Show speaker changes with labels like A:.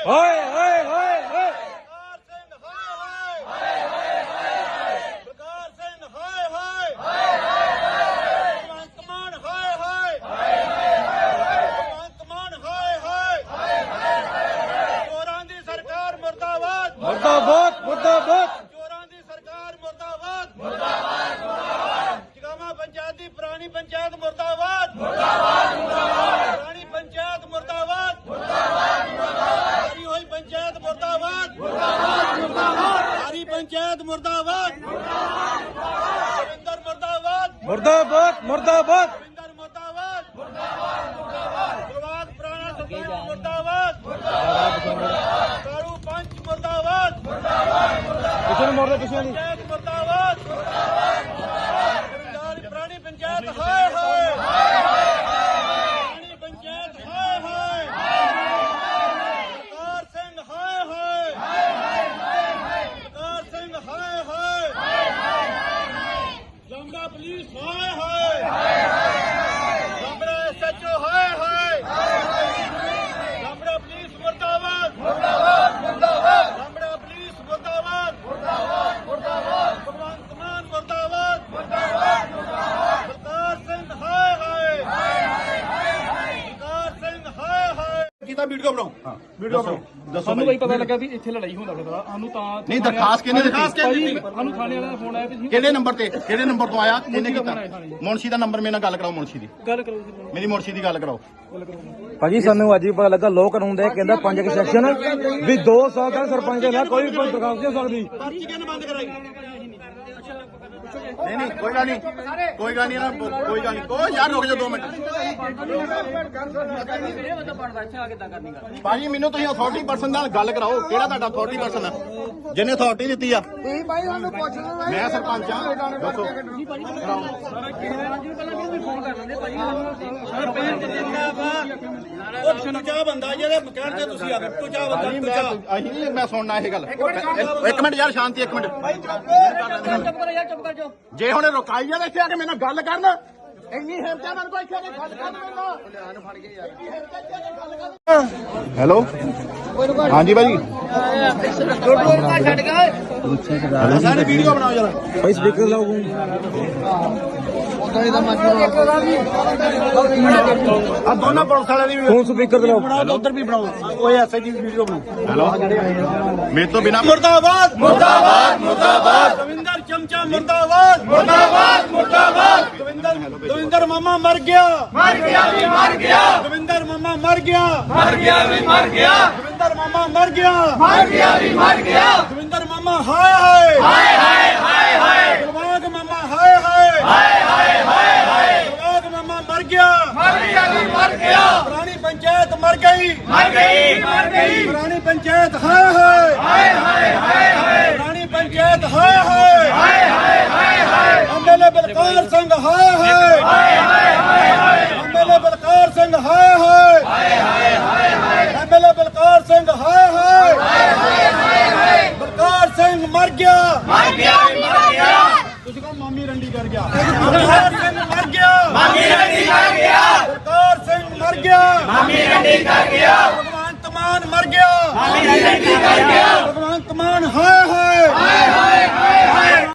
A: ਹਾਏ ਹਾਏ ਹਾਏ ਹਾਏ
B: ਬਲਕਾਰ ਸਿੰਘ ਹਾਏ ਹਾਏ ਭਗਵੰਤ ਮਾਨ ਹਾਏ ਹਾਏ ਭਗਵੰਤ ਮਾਨ ਹਾਏ ਹਾਏ ਚੋਰਾਂ ਦੀ ਸਰਕਾਰ ਮੁਰਦਾਬਾਦ
A: ਮੁਰਦਾਬਾਦ ਮੁਰਦਾਬਾਦ
B: ਚੋਰਾਂ ਦੀ ਸਰਕਾਰ ਮੁਰਦਾਬਾਦ ਜਗਾਵਾਂ ਪੰਚਾਇਤ ਦੀ ਪੁਰਾਣੀ ਪੰਚਾਇਤ ਮੁਰਦਾਬਾਦ ਪੁਰਾਣੀ ਪੰਚਾਇਤ ਮੁਰਦਾਬਾਦ ਸਾਰੀ ਹੋਈ ਪੰਚਾਇਤ ਮੁਰਦਾਬਾਦ ਸਾਰੀ ਪੰਚਾਇਤ ਮੁਰਦਾਬਾਦ ਰਵਿੰਦਰ ਮੁਰਦਾਬਾਦ
A: ਮੁਰਦਾਬਾਦ ਮੁਰਦਾਬਾਦ
B: ਰਵਿੰਦਰ ਮੁਰਦਾਬਾਦ ਪ੍ਰਵਾਦ ਪੁਰਾਣਾ ਸਰਕਾਰ ਮੁਰਦਾਬਾਦ ਕਾਰੂ ਪੰਚ ਮੁਰਦਾਬਾਦ
A: ਕਿਸੇ ਨੂੰ ਮੋੜਦੇ ਕਿਸੇ ਨੂੰ
B: ਪੰਚਾਇਤ ਮੁਰਦਾਬਾਦ ਪੁਰਾਣੀ ਪੰਚਾਇਤ ਹਾਏ ਹਾਏ ਪੁਰਾਣੀ ਪੰਚਾਇਤ ਹਾਏ ਹਾਏ ਬਲਕਾਰ ਸਿੰਘ ਹਾਏ ਹਾਏ ਬਲਕਾਰ ਸਿੰਘ ਹਾਏ ਹਾਏ ਲੰਬਾ ਪੁਲਿਸ ਹਾਏ ਹਾਏ ਲੰਬੜਾ ਐਸਐਚਓ ਹਾਏ ਹਾਏ ਲੰਬੜਾ ਪੁਲਿਸ ਮੁਰਦਾਬਾਦ ਲੰਬੜਾ ਪੁਲਿਸ ਮੁਰਦਾਬਾਦ ਭਗਵੰਤ ਮਾਨ ਮੁਰਦਾਬਾਦ ਬਲਕਾਰ ਸਿੰਘ ਹਾਏ ਹਾਏ ਬਲਕਾਰ ਸਿੰਘ ਹਾਏ ਹਾਏ
C: ਕੀਤਾ ਵੀਡੀਓ ਬਣਾਓ ਵੀਡੀਓ ਬਣਾਓ ਦੱਸੋ
D: ਸਾਨੂੰ ਬਈ ਪਤਾ ਲੱਗਾ ਵੀ ਇੱਥੇ ਲੜਾਈ ਹੁੰਦਾ ਫਿਰਦਾ ਸਾਨੂੰ ਤਾਂ
C: ਨਹੀਂ ਦਰਖਾਸਤ ਕਿਹਨੇ ਦਿੱਤੀ
D: ਸਾਨੂੰ ਥਾਣੇ ਵਾਲਿਆਂ ਦਾ ਫੋਨ ਆਇਆ ਵੀ
C: ਕਿਹੜੇ ਨੰਬਰ ਤੇ ਕਿਹੜੇ ਨੰਬਰ ਤੋਂ ਆਇਆ ਕਿਹਨੇ ਕੀਤਾ ਮੁਨਸ਼ੀ ਦਾ ਨੰਬਰ ਮੇਰੇ ਨਾਲ ਗੱਲ ਕਰਾਓ ਮੁਨਸ਼ੀ ਦੀ
D: ਗੱਲ ਕਰੋ ਜੀ
C: ਮੇਰੀ ਮੁਨਸ਼ੀ ਦੀ ਗੱਲ ਕਰਾਓ
A: ਭਾਜੀ ਸਾਨੂੰ ਅੱਜ ਹੀ ਪਤਾ ਲੱਗਾ ਲੋਕ ਕਾਨੂੰਨ ਦੇ ਕਹਿੰਦਾ 5 ਸੈਕਸ਼ਨ ਵੀ 2 ਸਾਲ ਤੱਕ ਸਰਪੰਚ ਦੇ ਨਾਲ ਕੋਈ ਦਰਖਾਸਤ ਨਹੀਂ ਹੋ ਸਕਦੀ
B: ਪਰਚੀ ਕਿਹਨੇ ਬੰਦ ਕਰਾਈ
C: ਨਹੀਂ ਕੋਈ ਗੱਲ ਨਹੀਂ ਕੋਈ ਗੱਲ ਨਹੀਂ ਕੋਈ ਗੱਲ ਨਹੀਂ ਕੋਈ ਯਾਰ ਰੁਕ ਜਾਓ 2 ਮਿੰਟ ਭਾਜੀ ਮੈਨੂੰ ਤੁਸੀਂ ਅਥਾਰਟੀ ਪਰਸਨ ਨਾਲ ਗੱਲ ਕਰਾਓ ਕਿਹੜਾ ਤੁਹਾਡਾ ਅਥਾਰਟੀ ਪਰਸਨ ਹੈ ਜਿਹਨੇ ਅਥਾਰਟੀ ਦਿੱਤੀ ਆ
E: ਤੁਸੀਂ ਭਾਈ ਸਾਨੂੰ ਪੁੱਛ ਲਓ
C: ਮੈਂ ਸਰਪੰਚ ਆ ਦੱਸੋ
B: ਉਹ ਤੁਜਾ ਬੰਦਾ ਜਿਹੜੇ ਕਹਿਣ ਤੇ ਤੁਸੀਂ ਆ ਗਏ ਤੁਜਾ ਬੰਦਾ
C: ਭਾਜੀ
B: ਤੁਜਾ
C: ਅਸੀਂ ਨਹੀਂ ਮੈਂ ਸੁਣਨਾ ਇਹ ਗੱਲ ਇੱਕ ਮਿੰਟ ਯਾਰ ਸ਼ਾਂਤੀ ਇੱਕ ਮਿੰਟ ਜੇ ਹੁਣ ਰੁਕਾਈ ਆ ਇੱਥੇ ਆ ਕੇ ਮੇਰੇ ਨਾਲ ਗੱਲ ਕਰਨ ਇੰਨੀ ਹਿੰਮਤ ਹੈ ਮੈਨੂੰ ਕੋਈ ਇੱਥੇ ਆ ਕੇ ਗੱਲ ਕਰਨ ਮੈਨੂੰ ਹੈਲੋ ਹਾਂਜੀ ਭਾਜੀ ਸਾਰੇ ਵੀਡੀਓ ਬਣਾਓ ਜਰਾ
A: ਭਾਈ ਸਪੀਕਰ ਲਾਓ
C: ਆ ਦੋਨਾਂ ਪੁਲਿਸ ਵਾਲਿਆਂ ਦੀ
A: ਫੋਨ ਸਪੀਕਰ ਤੇ ਲਾਓ
C: ਬਣਾਓ ਉਧਰ ਵੀ ਬਣਾਓ ਉਹ ਐਸਆਈ ਦੀ ਵੀਡੀਓ ਬਣਾਓ ਹੈਲੋ ਮੇਰੇ ਤੋਂ ਬਿਨਾ
B: ਮੁਰਦਾਬਾਦ ਮੁਰਦਾਬਾਦ ਮੁਰਦਾਬਾਦ ਰਵਿੰਦਰ ਚਮਚਾ ਮੁਰਦਾਬਾਦ ਮੁਰਦਾਬਾਦ ਮੁਰਦਾਬਾਦ ਦਵਿੰਦਰ ਮਾਮਾ ਮਰ ਗਿਆ ਵੀ ਮਰ ਗਿਆ ਦਵਿੰਦਰ ਮਾਮਾ ਮਰ ਗਿਆ ਵੀ ਮਰ ਗਿਆ ਦਵਿੰਦਰ ਮਾਮਾ ਮਰ ਗਿਆ ਵੀ ਮਰ ਗਿਆ ਦਵਿੰਦਰ ਮਾਮਾ ਹਾਏ ਹਾਏ ਗੁਰਬਾਗ ਮਾਮਾ ਹਾਏ ਹਾਏ ਗੁਰਬਾਗ ਮਾਮਾ ਮਰ ਗਿਆ ਵੀ ਮਰ ਗਿਆ ਪੁਰਾਣੀ ਪੰਚਾਇਤ ਮਰ ਗਈ ਪੁਰਾਣੀ ਪੰਚਾਇਤ ਹਾਏ ਹਾਏ ਪੁਰਾਣੀ ਪੰਚਾਇਤ ਹਾਏ ਐਮਐਲਏ ਬਲਕਾਰ ਸਿੰਘ ਹਾਏ ਐਮਐਲਏ ਬਲਕਾਰ ਸਿੰਘ ਹਾਏ ਐਮਐਲਏ ਬਲਕਾਰ ਸਿੰਘ ਹਾਏ ਬਲਕਾਰ ਸਿੰਘ ਮਰ ਗਿਆ ਤੁਸੀਂ ਕਹੋ ਮਾਮੀ ਰੰਡੀ ਕਰ ਗਿਆ ਬਲਕਾਰ ਸਿੰਘ ਮਰ ਗਿਆ ਬਲਕਾਰ ਸਿੰਘ ਮਰ ਗਿਆ ਭਗਵੰਤ ਮਾਨ ਮਰ ਗਿਆ ਭਗਵੰਤ ਮਾਨ ਹਾਏ